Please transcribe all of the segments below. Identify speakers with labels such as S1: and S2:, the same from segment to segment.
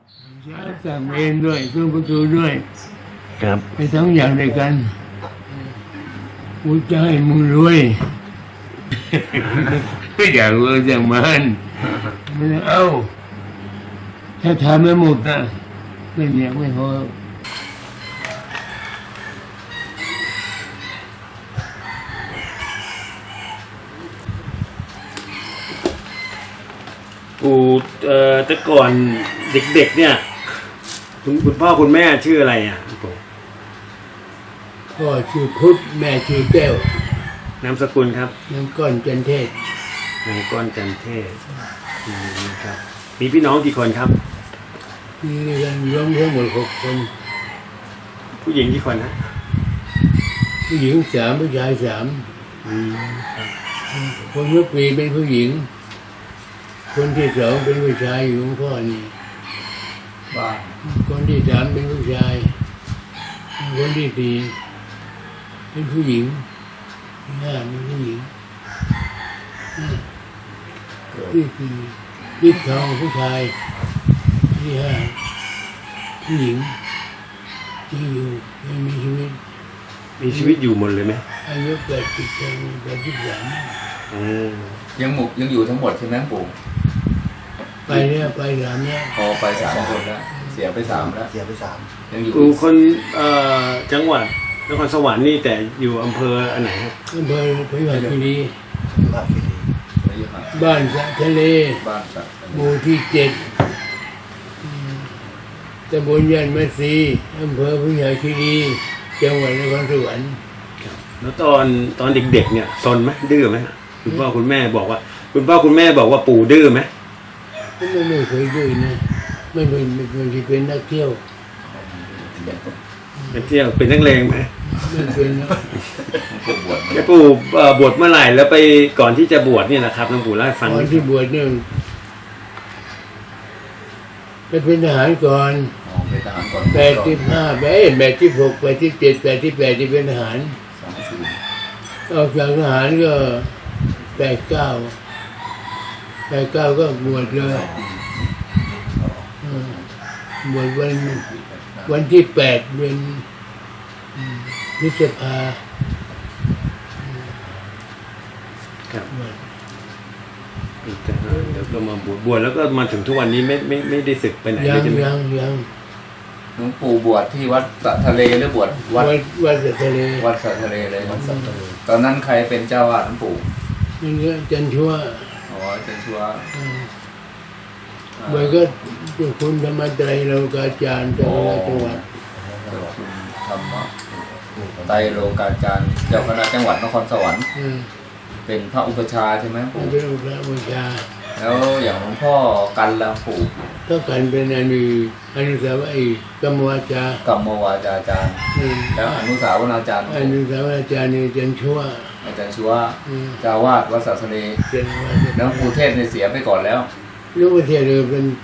S1: สั่งเองด้วยเครื่องประตูด้วย
S2: ครับ
S1: ไปทั้งอย่างด้วยกันกูจะให้มึงรวย ก็อยากรวยจากมันไม่ต้องเอาถ้าทำไม่หมดนะก็ยังไม่พอ
S2: ปู่แต่ก่อนเด็กๆเนี่ยคุณพ่อคุณแม่ชื่ออะไรอ่ะปู่
S1: พ่อชื่อพุทธแม่ชื่อแก้วน
S2: ามสกุลครับ
S1: น้ำก้อนจันเทศ
S2: นายก้อนจันเทศครับมีพี่น้องกี่คนครับ
S1: มีกันรวมทั้งหมด6 คน
S2: ผู้หญิงกี่คนนะ
S1: ผู้หญิง3ผู้ชาย3
S2: ครับ
S1: คนเมื่อปีเป็นผู้หญิง คนที่2เป็นผู้ชายอยู่ของพ่อนี่
S3: บ้าน
S1: คนที่3เป็นผู้ชาย คนที่4เป็นผู้หญิงที่5เป็นผู้หญิงที่4ที่ทองผู้ชายที่5ผู้หญิงยังอยู่ยังมีชีวิต
S2: มีชีวิตอยู่หมดเลยไหม
S1: อายุ83
S2: อืม
S3: ยังอยู่ทั้งหมดใช่ไหมปู่
S1: ไปเนี่ยไป3เนี่ย
S3: พอไป3 คนแล้วเสียไป3แล้ว
S4: เสียไป3
S3: ยังอยู่
S2: ปู่คนจังหวัดนครสวรรค์นี่แต่อยู่อำเภออันไหนครับ
S1: อำเภอพยุหคีรี
S4: ภาพที่ดี
S3: ไปอยู่ห่าง
S1: บ้านสะทะเล
S3: บ้านสัก
S1: หมู่ที่7ตำบลยันมัสีอำเภอพยุหคีรีจังหวัดนครสวรรค์
S2: แล้วตอนเด็กๆเนี่ยซนไหมดื้อไหมคุณพ่อคุณแม่บอกว่า คุณพ่อคุณแม่บอกว่าปู่ดื้อไหม
S1: ไม่เคยดื้อนะไม่เป็นนักเที่ยว
S2: ไปเที่ยวเป็นนักเลงไหม
S1: ไม่เป็นนะ
S3: ปู่บวช
S2: แกปู่บวชเมื่อไหร่แล้วไปก่อนที่จะบวชเนี่ยนะครับหลวงปู่เล่าให้ฟัง
S1: ตอนที่บวชเนี่ยไปเป็นทหารก่อน
S3: เป็นทหารก่อน
S1: 85 86 87 88ที่เป็นทหาร
S3: 24
S1: ออกจากทหารก็89ก็บวชเลยบวชวันที่8เดือนพฤษภา
S2: ครับแล้วก็มาบวชแล้วก็มาถึงทุกวันนี้ไม่ได้ศึกไปไหน
S1: ยั
S2: เล
S1: ง
S2: ยใช่ไหม
S3: หลวงปู่บวชที่วัดสะทะเลหรือบวชวัด
S1: วัดสะทะเล
S3: วัดสะทะเลเลยวัดสะทะเลตอนนั้นใครเป็นเจ้าวาดหลวงปู่
S1: นี่ก็จันชัว
S3: อ๋อเจนชัว
S1: มันก็เจ้าคุณธรรมไตรโลกาจารย์เจ้าคณะจังหวัด
S3: คุณธรรมะไตรโลกาจารย์เจ้าคณะจังหวัดนครสวรรค์เป็นพระอุปชฌาย์ใช่ไหมปู่
S1: เป็นพระบูชา
S3: แล้วอย่างหลวงพ่อกันละปู่
S1: ก็กันเป็นอนุสาวรีย์กรรมวาจา
S3: กัมมวาจาจารย์ แล้วอนุสาวนาจารย์
S1: อนุสาวรีย์อาจารย์นี่จันชัว
S3: อาจารย์ชัวเจ้าวาดวัดสะทะเล
S1: เป็นว่า
S3: แล้วปู่เทศในเสียไปก่อนแล้ว
S1: ลูกเทียน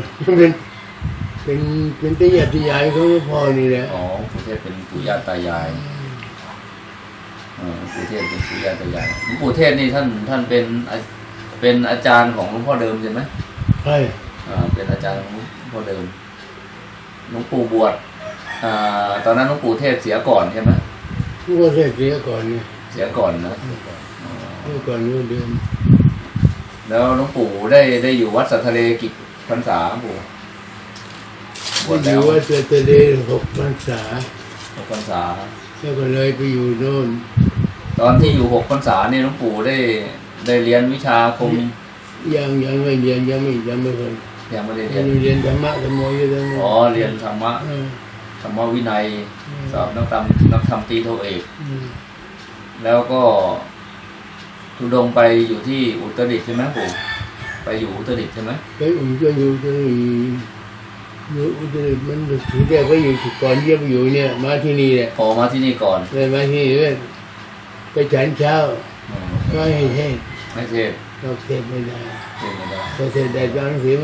S1: เป็นตายาติยายเขาพ่อนี่แหละ
S3: อ๋อปู่เทศเป็นปู่ย่าตายายปู่เทศเป็นปู่ย่าตายายหลวงปู่เทศนี่ท่านเป็นอาจารย์ของหลวงพ่อเดิมใช่ไหม
S1: ใช่
S3: เป็นอาจารย์ของหลวงพ่อเดิมหลวงปู่บวชตอนนั้นหลวงปู่เทศเสียก่อนใช่ไหม
S1: ลูกเทียนเสียก่อนนี่
S3: เสียก่อนนะ
S1: เสียก่อนเมื่อเดือน
S3: แล้วหลวงปู่ได้อยู่วัดสัททะเลกี่พรรษาหลวงปู่บวช
S1: อ
S3: แล้
S1: ยู่
S3: ว
S1: วัดสะทะเล6 พรรษา
S3: พรรษา
S1: แล้วก็เลยไปอยู่โน่น
S3: ตอนที่อยู่6 พรรษาเนี่ยหลวงปู่ได้เรียนวิชาคม
S1: ยังไม่เรียนยังไม่เคย
S3: ยังไม่ได้
S1: เรียนธรรมะธรรมโมอยู่ตรงนั้น
S3: อ๋อเรียนธรรมะธรรมวินัยสอบนักธรรมตรีโทเอก แล้วก็ทุดงไปอยู่ที่อุตรดิตถ์ใช่ไหมปู่ไปอยู่อุตรดิตถ์ใช่ไหม
S1: ไปอยู่อุตรดิตถ์มันถือแกก็อยู่ก่อนเยี่ยมอยู่เนี่ยมาที่นี่แหละ
S3: พอมาที่นี่ก่อน
S1: เลยมาที่นี่เลยไปฉันเช้าก็ให้เทศ
S3: ไม่เทศ
S1: เราเทศไม่ได้
S3: เทศไม่ได้
S1: พอเทศได้ก็หนังสือมา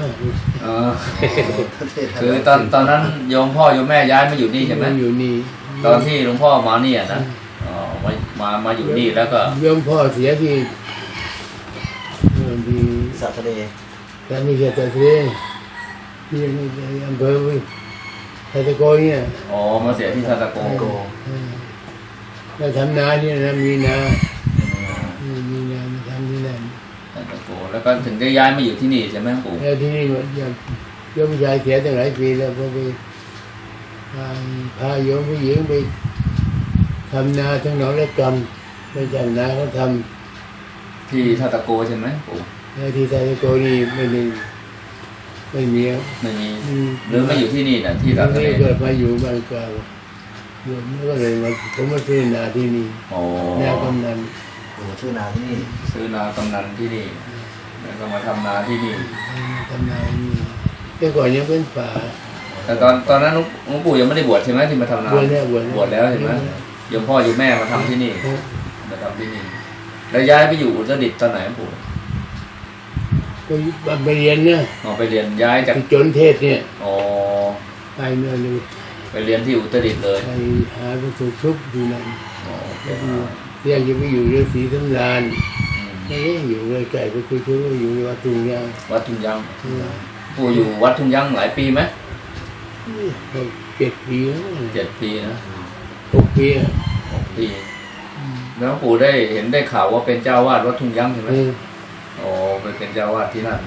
S3: คือตอนนั้นโยมพ่อโยมแม่ย้ายมาอยู่นี่ใช่ไหม
S1: อยู่นี่
S3: ตอนที่หลวงพ่อมาเนี่ยนะอ๋อมาอยู่นี่แล้วก็
S1: โยมพ่อเสียที่ที่
S4: สัตว์ทะเล
S1: แต่ไม่ใช่แต่เสียที่อำเภอทัตโกเนี่ย
S3: อ๋อมาเสียที่ซาตาโก
S1: เราทำนาเนี่ยนะมีนามีนามาทำที่นั่น
S3: ซาตาโกแล้วก็ถึงได้ย้ายมาอยู่ที่นี่ใช่ไหมปู่
S1: แล้วที่นี่โยมชายเสียตั้งหลายปีแล้วพอไปพาโยมผู้หญิงไปทำนาทั้งหนองและกำไปจากนาเขาท
S3: ที่ซาตาโกใช่ไหมปู่
S1: ำแล้วที่ทัตโกนี่ไม่มี
S3: ไม่มีหรือมาอยู่ที่นี่นะที่
S1: ตอ
S3: ตาน ทะเล
S1: นี้เกิดมาอยู่บ้านเก่าโยมก็เลยมาผมมาซื้อนาที่นี่
S3: อ๋อ
S1: นากำนัน
S4: ปู่ชื่อนาที่นี่
S3: ซื้อนากำนันที่นี่แล้วก็มาทำนาที่นี่
S1: ทำนาที่นี่แต่ก่อนยังเป็นป่า
S3: แต่ตอนนั้นหลวงปู่ยังไม่ได้บวชใช่ไหมที่มาทำนา
S1: บวชแล้ว
S3: บวชแล้วใช่ไหมโยมพ่อโยมแม่มาทำที่นี่มาทำที่นี่แล้วย้ายไปอยู่อุตรดิตถ์ตอนไหนหลวงปู่
S1: ก็ไปเรียนเนี่ย
S3: อ๋อไปเรียนย้ายจาก
S1: ที่จนเทศเนี่ย
S3: อ๋อ
S1: ไปเมื่อเลย
S3: ไปเรียนที่อุตรดิตถ์เลย
S1: ไปหาประตูชุบอยู่นั่น
S3: อ๋อ
S1: แล้วเรียกจะไปอยู่เรือสีสำราน
S3: อืม
S1: ไม่ได้อยู่เลยไก่ไปคุยชุบอยู่ในวัดตุงยาง
S3: วัดทุ่งยังปู่อยู่วัดทุ่งยังหลายปีไหม
S1: 7 ปีแล้ว
S3: 7 ปีนะ
S1: 6 ปีอ่ะ
S3: 6 ปีแล้วหลวงปู่ได้เห็นได้ข่าวว่าเป็นเจ้าวาดวัดทุ่งยังใช่ไหมอ๋อไปเป็นเจ้าวาดที่นั่น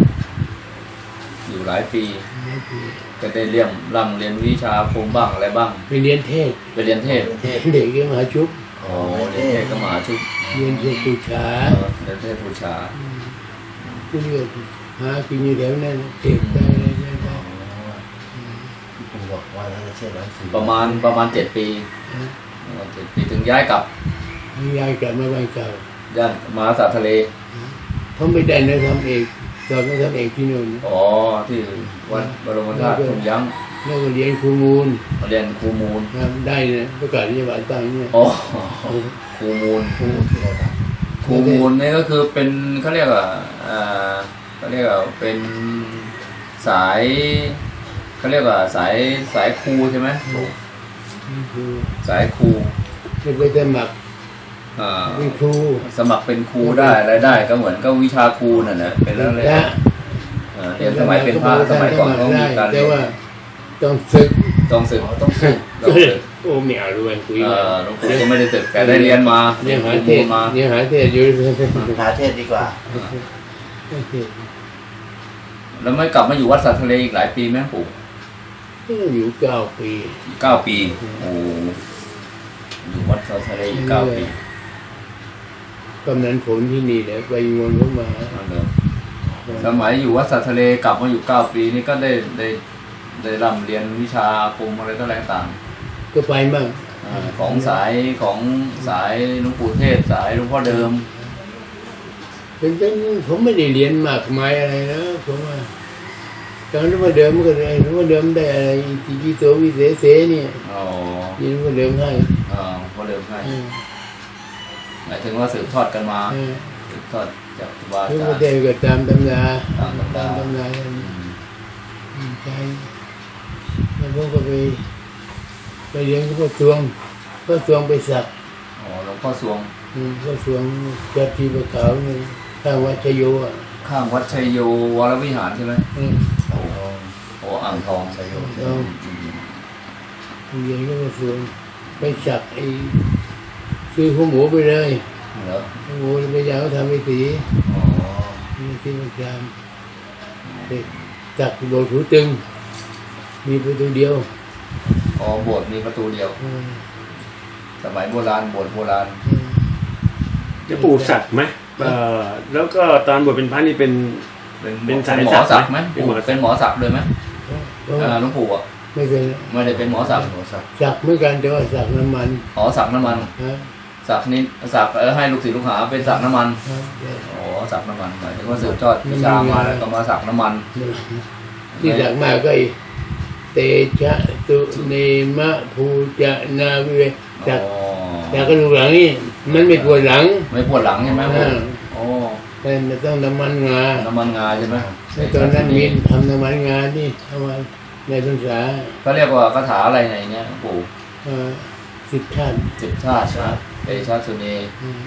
S3: อยู่หลายปีก็ได้เรียนวิชาอาคมบ้างอะไรบ้าง
S1: ไปเรียนเทศ
S3: ไปเรียนเทศ
S1: เด็กก็มาชุบ
S3: อ๋อเรียนเทศก็มหาชุบ
S1: เรียนเทศบูชา
S3: เรียนเทศบูชา
S1: ผู้เรียกหากินอยู่แถวนั้นเด็กได้อะไรได้
S4: ปู่บอกว่าน่าจะเชื่อร้านสี่
S3: ประมาณ7 ปีประมาณ7 ปีถึงย้ายกลับ
S1: ยายกลับมาบ้านเก่า
S3: ย่านมหาสาทะเล
S1: เขาไม่ได้นะทำเอกสอบมาทำเอกที่นู่น
S3: อ๋อที่วัดบรมธาตุทุ่งยัง
S1: แล้วก็เรียนครูมูล
S3: มาเรียนครูมูล
S1: ได้นะประกาศนียบัตรตั้งเนี่ย
S3: อ๋อครูมูล
S4: ปู่ชื่ออะไรครับ
S3: ครูมูลนี่ก็คือเป็นเขาเรียกว่าเขาเรียกว่าเป็นสายเขาเรียกว่าสายครูใช่ไหม
S1: นี่คือ
S3: สายครู
S1: จะไปสมัคร
S3: อ่า
S1: เป็นครู
S3: สมัครเป็นครูได้อะไรได้ก็เหมือนก็วิชาครูนั่นแหละเป็นแล้วเลย
S1: พระ
S3: เรียนสมัยเป็นพระสมัยก่อนเขามีการเรี
S1: แต่
S3: ยน
S1: ว่าต้องศึก
S3: ต้องศึกต้องศึก
S1: โอ้ไม่เอาด้วยคุย
S3: หลวงปู่ก็ไม่ได้ศึกแต่ได้เรียนมา
S1: เนี่ยหา
S3: ครู
S1: เท
S3: มู
S1: ศ
S3: ลมา
S1: เนี่ยหาเทศอยู่
S4: หาเทศดีกว่า
S1: เทศ
S3: แล้วไม่กลับมาอยู่วัดสัตทะเลอีกหลายปีไหมปู่
S1: อยู่9 ปี
S3: 9 ปีโอ้อยู่วัดสัตทะเลอีก9 ปี
S1: กำนันผลที่นี่แหละไปวนเข้ามา
S3: สมัยอยู่วัดสัตทะเลกลับมาอยู่9 ปีนี่ก็ได้ร่ำเรียนวิชาอาคมอะไรต่างต่าง
S1: ก็ไปมั่ง
S3: ของสายหลวงปู่เทศสายหลวงพ่อเดิม
S1: เป็นผมไม่ได้เรียนมากมายอะไรนะผมว่าตอนนั้นมาเดิมก็ได้หลวงพ่อเดิมได้อะไรที่โตวิเศษเสเนี่ย
S3: อ๋อ
S1: ยินว่าเดิมให้
S3: พ่อเดิมให้หมายถึงว่าสืบทอดกันมาสืบทอดจากครูบา
S1: ทุก
S3: อา
S1: ประ
S3: จา
S1: เท
S3: ร
S1: ศ
S3: ย์
S1: ก็ตามตำรา
S3: ตามตำรา
S1: กันใช่แล้วผมก็ไปเรียนก็พ่อสวงไปสัก
S3: อ๋อหลวงพ่อสวง
S1: พ่อสวงจัดที่ประขาวนี่ข้างวัดชโยอ่ะ
S3: ข้างวัดชัยโยวรวิหารใช่ไหม โอ้อ่างทอง
S4: สยบ
S1: เรียนก็พ่อสวงไปสักซื้อหัวหมูไปเลย
S3: เหรอ
S1: หัวหมูไปยาวทำไปสี
S3: อ๋อ
S1: มีที่ประจำสักโบสถ์หูตึงมีประตูเดียว
S3: อ๋อโบสถ์มีประตูเดียว สมัยโบราณโบสถ์โบราณ
S2: จะปลูกสัตว์ไหมแล้วก็ตอนบวชเป็นพระนี่เป็น เป็นสาย
S3: หมอ
S2: ศั
S3: ศั
S2: ก
S3: ก
S2: ดิ์
S3: ดิ์
S2: ไห
S3: ไห
S2: ม
S3: ม
S2: เป็นหมอศักดิ์
S3: เป็นหมอศักดิ์เลยไหมหลวงปู่อ่ะ
S1: ไม่เป็น
S3: ไม่ได้เป็นหมอศักดิ์
S4: หัวสัก
S1: สักเหมือนกันแต่ว่าสักน้ำมัน
S3: อ๋อศักดิ์น้ำมัน
S1: ฮะ
S3: ศักดิ์นี้ศักดิ์ให้ลูกศิษย์ลูกหาเป็นศักดิ์น้ำมัน
S1: ครับ
S3: อ๋อศักดิ์น้ำมันหมายถึงว่าสืบทอดวิชามาแล้วก็มาศักดิ์น้ำมัน
S1: ที่สักมากก็เตชะตุเนมะภูจะนาวิเวสัก
S3: อ๋อ
S1: สักกระดูกหลังนี่มันไม่ปวดหลัง
S3: ไม่ปวดหลังใช่ไหมปู่โอ้
S1: แต่มันต้องน้ำมันงา
S3: น้ำมันงาใช่ไหม
S1: ในตอนนั้นมีทำน้ำมันงาที่เอามาในพรรษา
S3: เขาเรียกว่าคาถาอะไรในเนี้ยหลวงปู่
S1: 10 ชาติ
S3: 10 ชาตินะเตชะสุเน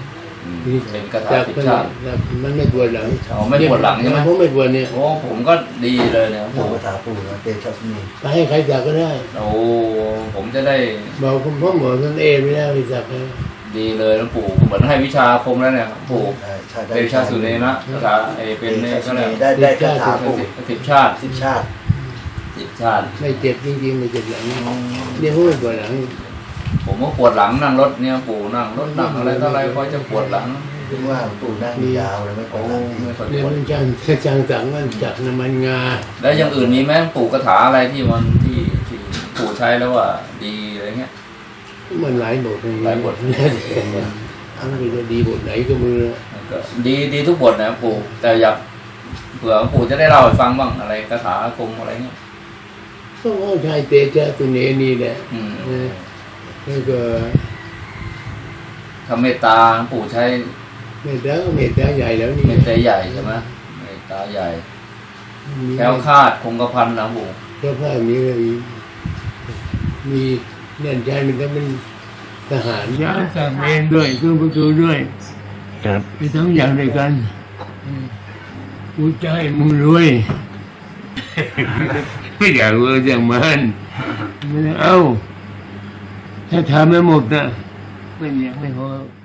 S3: เป็นคาถา
S1: จาก
S3: 10 ชาติ
S1: มันไม่ปวดหลัง
S3: อ๋อไม่ปวดหลังใช่ไหม
S1: ผมไม่ปวดเนี่ย
S3: โอ้ผมก็ดีเลยเนี่ย
S4: ปู่ภาษาปู่นะเตชะสุนี
S1: ไปให้ใครสักก็ได้
S3: โอ้ผมจะได้
S1: บอกคุณพ่อหมอท่านไม่ได้ไปสักเลย
S3: ดีเลยนะปู่เหมือนให้วิชาอาคมแล้วเนี่ยปู่
S4: ใช่
S3: เตชะสุเนนะภาษาเป็นเนี่ยก็เลย
S4: ได้คาถาปู่
S3: 10 ชาติ
S4: 10 ชาติ
S3: 10 ชาติ
S1: ไม่เจ็บจริงๆไม่เจ็บหลังเนี่ยผมไม่ปวดหลัง
S3: ผมก็ปวดหลังนั่งรถเนี่ยปู่นั่งรถนั่งอะไรต่ออะไรคอยจะปวดหลัง
S4: ถึงว่าปู่นั่งยาวเลยไม่ปว
S3: โอ้
S4: ดหลัง
S3: ไม่ค่อย
S1: เนี่ย
S3: ปวด
S1: มันจังสังมันจักน้ำมันงา
S3: แล้วอย่างอื่นมีไหมปู่คาถาอะไรที่มันที่ปู่ใช้แล้วว่าดีอะไรเงี้ย
S1: มันหลายบท
S3: หลายบท
S1: มันจะดีบทไหนก็มือ
S3: ก็ดีทุกบทนะปู่แต่อยากเผื่อปู่จะได้เล่าให้ฟังบ้างอะไรคาถาอาคมอะไรเงี้ย
S1: ก็ว่าชายเตชะตุเนนี่แหละ
S3: อืม
S1: แล้วก็
S3: ทำเมตตาปู่ใช้
S1: เมตตาก็เมตตาใหญ่แล้วนี่
S3: เมตตาใหญ่ใช่ไหมเมตตาใหญ่แคล้วคลาดคงกระพันนะปู่
S1: เจ้าพ่อมีเนี่ยใจมันก็เป็นทหารยาสั่งเองด้วยเครื่องประตูด้วย
S2: ครับ
S1: ไปทั้งอย่างด้วยกันกูจะให้มึงรวย ไม่อยากรวยอย่างมันไม่เอาถ้าทำไม่หมดนะไม่อยากไม่พอ